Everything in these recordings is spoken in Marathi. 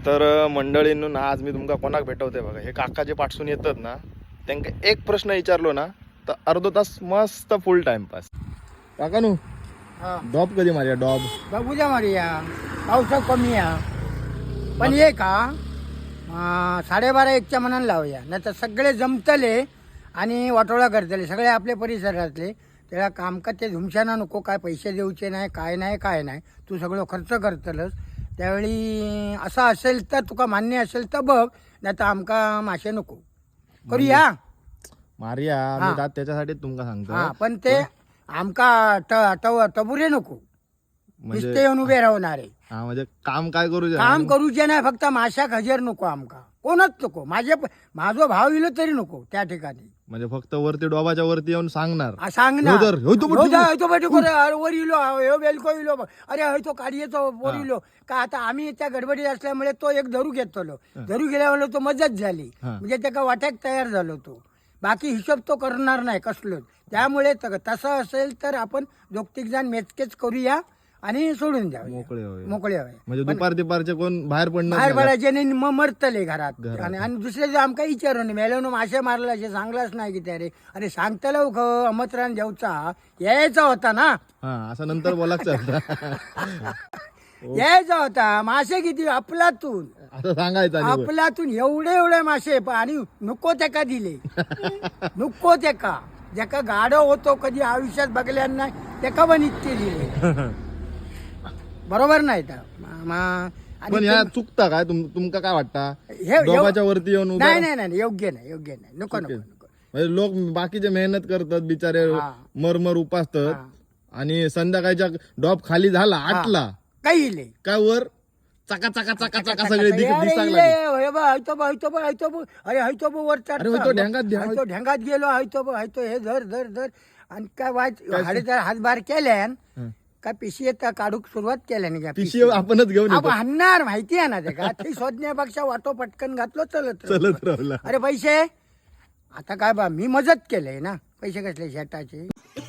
तर मंडळींनो आज मी तुमका कोणाक भेटवते बघा. हे काका जे पाठसून येतात ना त्यांना एक प्रश्न विचारलो ना तर अर्धा तास मस्त फुल टाइमपास. काकानू डॉब कधी मारिया? डॉब उद्या मारूया, पावसा कमी या पण ये का 12:30-1च्या मनानं लावूया, नाही तर सगळे जमतले आणि वाटोळा करतले सगळे आपले परिसरातले. त्याला काम का ते धुमशाना नको, काय पैसे देऊचे नाही, काय नाही, तू सगळं खर्च करतलस. त्यावेळी असं असेल तर तुका मान्य असेल तर बघ, नाही तर आमका मासे नको करूया मारिया. मी तात त्याच्यासाठी तुमका सांगतो. हा, पण ते आमका टबुरे नको, नुसते येऊन उभे राहणारे. हा म्हणजे काम काय करू? काम करूचे नाही, फक्त माशाक हजर नको, आमका कोणच नको. माझो भाव इलो तरी नको त्या ठिकाणी. म्हणजे फक्त वरती डोबाच्या वरती येऊन सांगणार. सांगणार वर इलो, ह्यो बेलको इलो, अरे हय तो काढियेचो वर इलो का. आता आम्ही त्या गडबडीत असल्यामुळे तो एक धरू घेतलो, धरू गेल्यामुळे तो मजाच झाली, म्हणजे त्याका वाट्याक तयार झालो तो. बाकी हिशोब तो करणार नाही कसलोच. त्यामुळे तसं असेल तर आपण 2-3 जण मेचकेच करूया आणि सोडून द्या, मोकळे हवे. म्हणजे दुपारचे कोण बाहेर बाहेर पडायचे नाही, मग मरतले घरात. आणि दुसरे जे आमका विचारून मेल्यानं मासे मारला सांगलाच नाही की त्या रे. अरे सांगतला अमतरान जेवचा यायचा होता ना, असं नंतर बोलायचं यायचा होता. मासे किती आपलातून, असं सांगायचं. आपलातून एवढे मासे आणि नको त्याका दिले. नको त्याका ज्याका गाडो होतो कधी आयुष्यात बघल्या नाही त्याका पण इतके दिले. बरोबर नाही तर पण ह्या चुकता काय? तुमका काय वाटतं? डोबाच्या वरती येऊन नाही योग्य नाही, नको. म्हणजे लोक बाकीचे मेहनत करतात बिचारे, मरमर उपासतात आणि संध्याकाळच्या डॉब खाली झाला 8ला काही काय वर चका चका चका चका सगळे दिसायला अरे ढेंगात गेलो, हे धर आणि काय हाडेचा हातभार केल्यान काय पिशी येता काढूक सुरुवात केल्याने पिशी आपणच घेऊन हाणणार माहिती आहे ना ते का. ते शोधण्यापेक्षा वाटो पटकन घातलो चलत राहिला. अरे पैसे आता काय बा, मी मदत केलंय ना, पैसे कसले शेटाचे.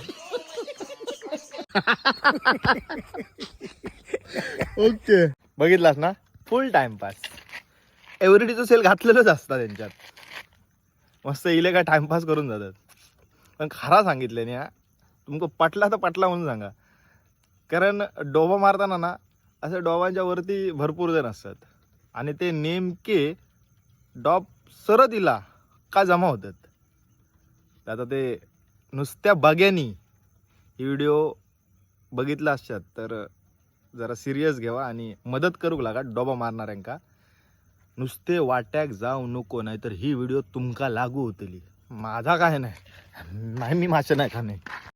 ओके, बघितलास ना, फुल टाइमपास. एव्हरीडेचं सेल घातलेलंच असतं त्यांच्यात. मस्त इले काय टाइमपास करून जातात. पण खरा सांगितलं ना, तुमको पटला तर पटला म्हणून सांगा. कारण डोबा मारताना ना असं डोबांच्या वरती भरपूर जण असतात आणि ते नेमके डॉब सरत इला का जमा होतात. आता ते नुसत्या बग्यानी ही व्हिडिओ बघितला असतात तर जरा सिरियस घ्यावा आणि मदत करूक लागा डोबा मारणाऱ्यांका. नुसते वाट्याक जाऊ नको, नाहीतर ही व्हिडिओ तुमका लागू होतली. माझा काय नाही, मी मासे नाही खाणे.